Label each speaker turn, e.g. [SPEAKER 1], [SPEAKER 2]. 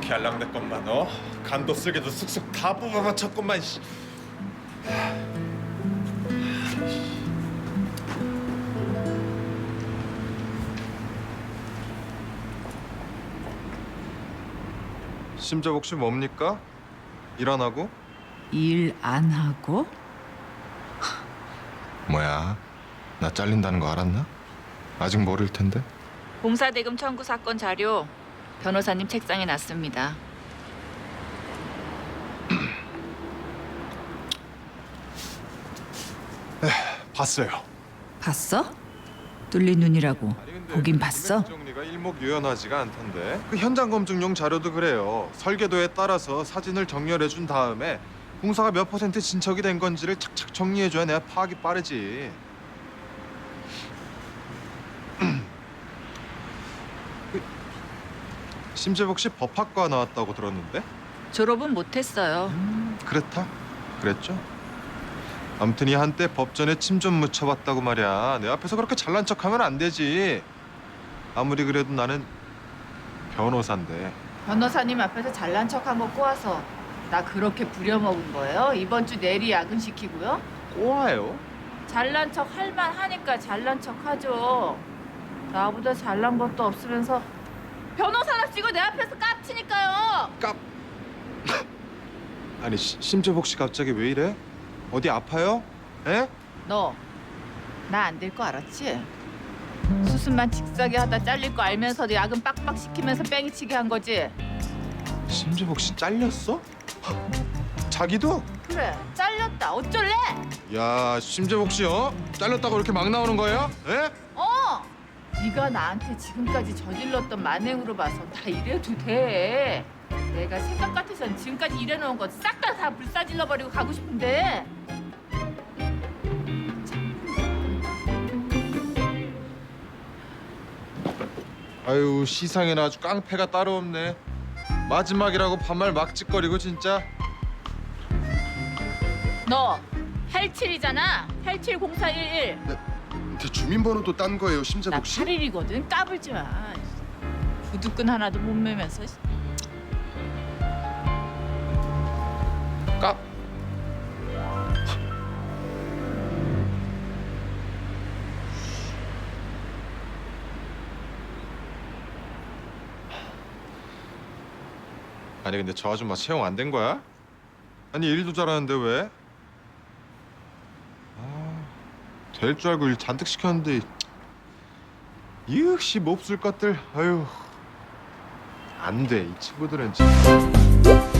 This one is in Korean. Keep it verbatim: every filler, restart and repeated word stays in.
[SPEAKER 1] 이렇게 알랑댔건만 어? 간도 쓸개도 쓱쓱 다 뽑아맞췄건만 씨.
[SPEAKER 2] 심재복 씨 뭡니까? 일 안 하고?
[SPEAKER 3] 일 안 하고?
[SPEAKER 2] 뭐야? 나 잘린다는 거 알았나? 아직 모를 텐데.
[SPEAKER 3] 공사대금 청구 사건 자료 변호사님 책상에 놨습니다.
[SPEAKER 2] 봤어요.
[SPEAKER 3] 봤어? 뚫린 눈이라고 보긴 봤어?
[SPEAKER 2] 금액 정리가 일목요연하지가 않던데. 그 현장 검증용 자료도 그래요. 설계도에 따라서 사진을 정렬해 준 다음에 공사가 몇 퍼센트 진척이 된 건지를 착착 정리해 줘야 내가 파악이 빠르지. 그, 심재복 씨 법학과 나왔다고 들었는데?
[SPEAKER 3] 졸업은 못했어요.
[SPEAKER 2] 그렇다. 그랬죠. 아무튼 이 한때 법전에 침 좀 묻혀봤다고 말이야. 내 앞에서 그렇게 잘난 척하면 안 되지. 아무리 그래도 나는 변호사인데.
[SPEAKER 3] 변호사님 앞에서 잘난 척한 거 꼬아서 나 그렇게 부려먹은 거예요? 이번 주 내리 야근시키고요?
[SPEAKER 2] 꼬아요?
[SPEAKER 3] 잘난 척 할만 하니까 잘난 척 하죠. 나보다 잘난 것도 없으면서 변호사랍시고 내 앞에서 깝치니까요.
[SPEAKER 2] 깝. 아니 시, 심재복 씨 갑자기 왜 이래? 어디 아파요? 에?
[SPEAKER 3] 너 나 안 될 거 알았지? 수습만 직사게 하다 잘릴 거 알면서도 야근 빡빡 시키면서 뺑이치게 한 거지?
[SPEAKER 2] 심재복 씨 잘렸어? 자기도?
[SPEAKER 3] 그래 잘렸다 어쩔래?
[SPEAKER 2] 야 심재복 씨 어? 잘렸다고 이렇게 막 나오는 거예요? 에?
[SPEAKER 3] 어! 네가 나한테 지금까지 저질렀던 만행으로 봐서 나 이래도 돼. 내가 생각 같아선 지금까지 일해놓은 거 싹 다 다 불사질러 버리고 가고 싶은데.
[SPEAKER 2] 아유 시상에는 아주 깡패가 따로 없네. 마지막이라고 반말 막 짓거리고 진짜.
[SPEAKER 3] 너 팔십칠이잖아. 팔십칠공사일일.
[SPEAKER 2] 제 주민번호도 딴 거예요
[SPEAKER 3] 나
[SPEAKER 2] 심재복 씨?
[SPEAKER 3] 팔 일이거든. 까불지 마. 구두끈 하나도 못 매면서.
[SPEAKER 2] 까. 아니 근데 저 아줌마 채용 안 된 거야? 아니 일도 잘하는데 왜? 아, 될 줄 알고 일 잔뜩 시켰는데 역시 몹쓸 것들. 아유 안 돼 이 친구들은 진짜.